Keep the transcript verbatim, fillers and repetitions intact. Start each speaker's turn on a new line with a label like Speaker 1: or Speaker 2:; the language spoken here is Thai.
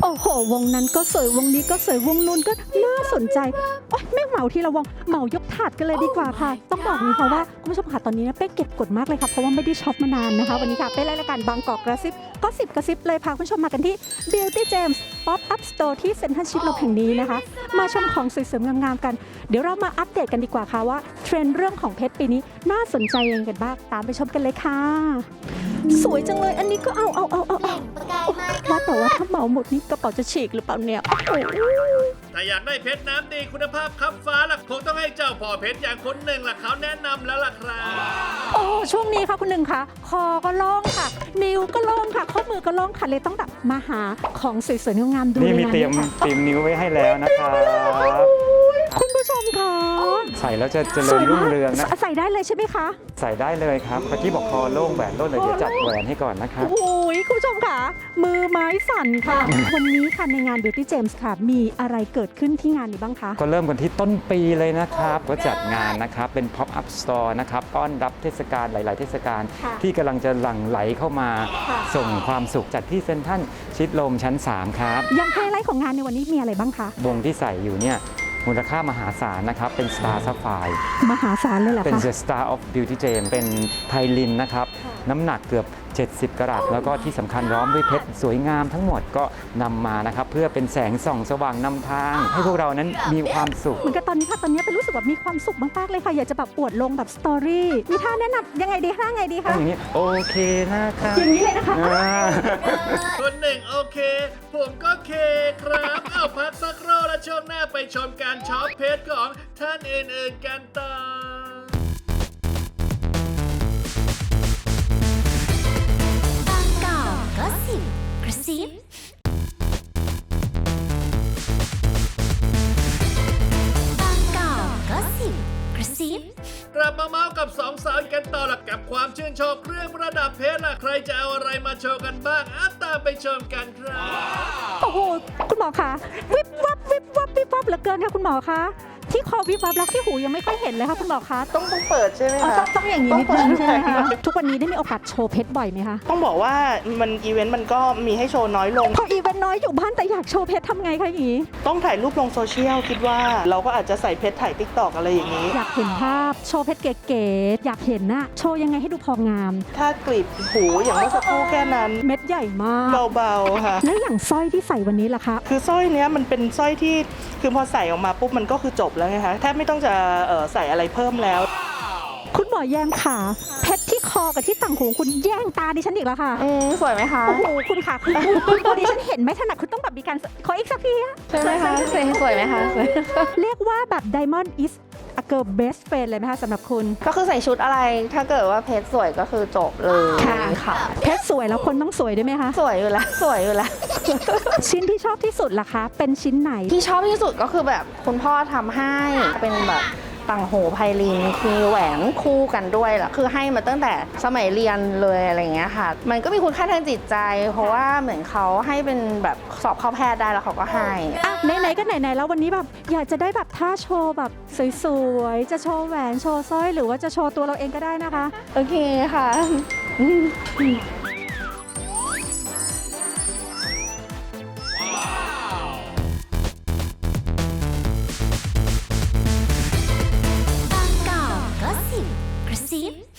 Speaker 1: โอ้โหวงนั้นก็สวยวงนี้ก็สวยวงนู้นก็น่าสนใจโอ๊ยไม่เหมาทีละวงเหมายกถาดกันเลยดีกว่าค่ะ ต้องบอกนี้ค่ะว่าคุณผู้ชมค่ะตอนนี้เป้เก็บกดมากเลยค่ะเพราะว่าไม่ได้ช็อปมานานนะคะวันนี้ค่ะเป้รายการบางกอกกระซิบก็สิบกระซิบเลยพาคุณผู้ชมมากันที่ Beauty James Pop Up Store ที่เซ็นทรัลชิดลมแห่งนี้นะคะมาชมของสวยๆงามๆกันเดี๋ยวเรามาอัปเดตกันดีกว่าค่ะว่าเทรนด์เรื่องของเพชรปีนี้น่าสนใจยังไงกันบ้างตามไปชมกันเลยค่ะสวยจังเลยอันนี้ก็เอาเอาเอาเอาเอาว่าแต่ว่าถ้าเหมาหมดนี่กระเป๋าจะฉีกหรือเปล่าเนี่ยโอ้โห
Speaker 2: ถ้าอยากได้เพชรน้ำดีคุณภาพคับฟ้าล่ะคงต้องให้เจ้าพ่อเพชรอย่างคนหนึ่งล่ะเขาแนะนำแล้วล่ะครับ
Speaker 1: โอ้ช่วงนี้ค่ะคุณหนึ่งค่ะคอก็โล่งค่ะ นิ้วก็โล่งค่ะข้อมือก็โล่งค่ะเลยต้องแบบมาหาของสวยๆงามๆดู
Speaker 3: นี่มีเตรียม
Speaker 1: ค่ะ
Speaker 3: เตรียมนิ้วไว้ให้แล้วนะครับ
Speaker 1: คุณผู้ชมค่ะ
Speaker 3: ใส่แล้วจะเจริญรุ่งเรืองนะ
Speaker 1: ใส่ได้เลยใช่ไหมคะ
Speaker 3: ใส่ได้เลยครับเมื่อกี้บอกคอโล่งแหวนโล่งเลยเดี๋ยวจัดแหวนให้ก่อนนะครับ
Speaker 1: โอ้ยคุณผู้ชมค่ะ มือไม้สั่นค่ะ วันนี้ค่ะในงาน Beauty James ค่ะ มีอะไรเกิดขึ้นที่งานนี้บ้างคะ
Speaker 3: ก็เริ่มกันที่ต้นปีเลยนะครับก็จัดงานนะครับเป็น Pop Up Store นะครับต้อนรับเทศกาลหลาย ๆ เทศกาล
Speaker 1: ค่ะ
Speaker 3: ที่กำลังจะหลั่งไหลเข้ามา
Speaker 1: ค่ะ
Speaker 3: ส่งความสุขจัดที่เซ็นทรัลชิดลมชั้น สาม ครับ
Speaker 1: ยังไฮไลท์ของงานในวันนี้มีอะไรบ้างคะ
Speaker 3: วงที่ใส่อยู่เนี่ยมูลค่ามหาศาลนะครับเป็น Star Sapphire
Speaker 1: มหาศาลเลยเหรอ
Speaker 3: เป็น
Speaker 1: คะ
Speaker 3: The Star of Beauty James เป็นไพลินนะครับ น้ำหนักเกือบ เจ็ดสิบ กรัตแล้วก็ที่สำคัญล้อมด้วยเพชรสวยงามทั้งหมดก็นำมานะครับ เพื่อเป็นแสงส่องสว่างนำทาง ให้พวกเรานั้นมีความสุข
Speaker 1: เหมือนกับตอนนี้ค่ะตอนนี้เป็นรู้สึกแบบมีความสุขมากๆเลยค่ะ อยากจะแบบอวดลงแบบสตอรี่มีท่าแนะนำยังไงดีท่าไงดี
Speaker 3: ต้อ
Speaker 1: คะ
Speaker 3: งอย่างนี้โอเคนะครับ
Speaker 1: อย่างนี้เลยนะคะ
Speaker 3: อ่า
Speaker 2: คนหนึ่งโอเค ผมก็เคครับเอาพักสักครู่แล้วช่วงหน้าไปชมการช็อปเพชรของท่านอื่นๆกันต่อ
Speaker 4: บางกอกก็สิบกระซิบางกอกก็สิบกระซิบ
Speaker 2: กลับมาเมาส์กับสองสาวกันต่อละกับความชื่นชอบเครื่องประดับเพชรล่ะใครจะเอาอะไรมาโชว์กันบ้างอ่ะตามไปชมกันครับ
Speaker 1: โอ้โหคุณหมอคะวิบวับวิบวับวิบวับเหลือเกินค่ะคุณหมอคะที่คอวิบวับแล้วที่หูยังไม่ค่อยเห็นเลยค่ะคุณหมอคะ
Speaker 5: ต้องต้องเปิดใช่ไหม
Speaker 1: อ๋อ
Speaker 5: คะ
Speaker 1: ต้องต้องอย่างนี้นิดนึงใช่ไหมคะทุกวันนี้ได้มีโอกาสโชว์เพชรบ่อยไหมคะ
Speaker 5: ต้องบอกว่ามันอีเวนต์มันก็มีให้โชว์น้อยลง
Speaker 1: พออีเวนต์น้อยอยู่บ้านแต่อยากโชว์เพชรทำไงคะอย่างนี้
Speaker 5: ต้องถ่ายรูปลงโซเชียลคิดว่าเราก็อาจจะใส่เพชรถ่ายติ๊กตอกอะไรอย่างนี้
Speaker 1: อยากเห็นภาพโชว์เพชรเก๋ๆอยากเห็นน่ะโชว์ยังไงให้ดูพองาม
Speaker 5: ถ้ากรีดหูอย่างเมื่อสักครู่แค่นั้น
Speaker 1: เม็ดใหญ่มาก
Speaker 5: เบาๆค่ะ
Speaker 1: แล้วอย่างสร้อยที่ใส่วันนี้ล่ะคะ
Speaker 5: คือสร้อยเนี้ยมันเป็นสร้อยที่คือพอใส่ออกมาปุ๊บมันก็คือจบแล้วไงคะแทบไม่ต้องจะเอ่อใส่อะไรเพิ่มแล้ว
Speaker 1: คุณหมอแยมค่ะเพชรที่คอกับที่ต่างหูคุณแย่งตาดิฉันอีกแล้วค่ะ
Speaker 6: อืมสวยไหมคะ
Speaker 1: โอ้โหคุณค่ะคุณคุณตัวดิฉันเห็นไม่ถนัดคุณต้องแบบมีการขออีกสักทีอะ
Speaker 6: ใช่ไหมคะสวยสวยไหมคะสวย
Speaker 1: เรียกว่าแบบ Diamond is a girl best friend เลยไหมคะสำหรับคุณ
Speaker 6: ก็คือใส่ชุดอะไร ถ้าเกิดว่าเพชรสวยก็คือจบเลยค่ะ
Speaker 1: เพชรสวยแล้วคนต้องสวยด้วยไหมคะ
Speaker 6: สวยอยู่แล้ว สวยอยู่แล้ว
Speaker 1: ชิ้นที่ชอบที่สุดล่ะคะ เป็นชิ้นไหน
Speaker 6: ที่ชอบที่สุดก็คือแบบคุณพ่อทำให้เป็นแบบต่างหูไพลินมีแหวนคู่กันด้วยล่ะคือให้มาตั้งแต่สมัยเรียนเลยอะไรเงี้ยค่ะ มันก็มีคุณค่าทางจิตใจ เพราะว่าเหมือนเขาให้เป็นแบบสอบเข้าแพทย์ได้แล้วเขาก็ให้
Speaker 1: อ่ะไหนๆก็ไหนๆแล้ววันนี้แบบอยากจะได้แบบท่าโชว์แบบสวยๆ จะโชว์แหวนโชว์สร้อยหรือว่าจะโชว์ตัวเราเองก็ได้นะคะ
Speaker 6: โอเคค่ะ
Speaker 4: บางกอกก็สิบกระซิบ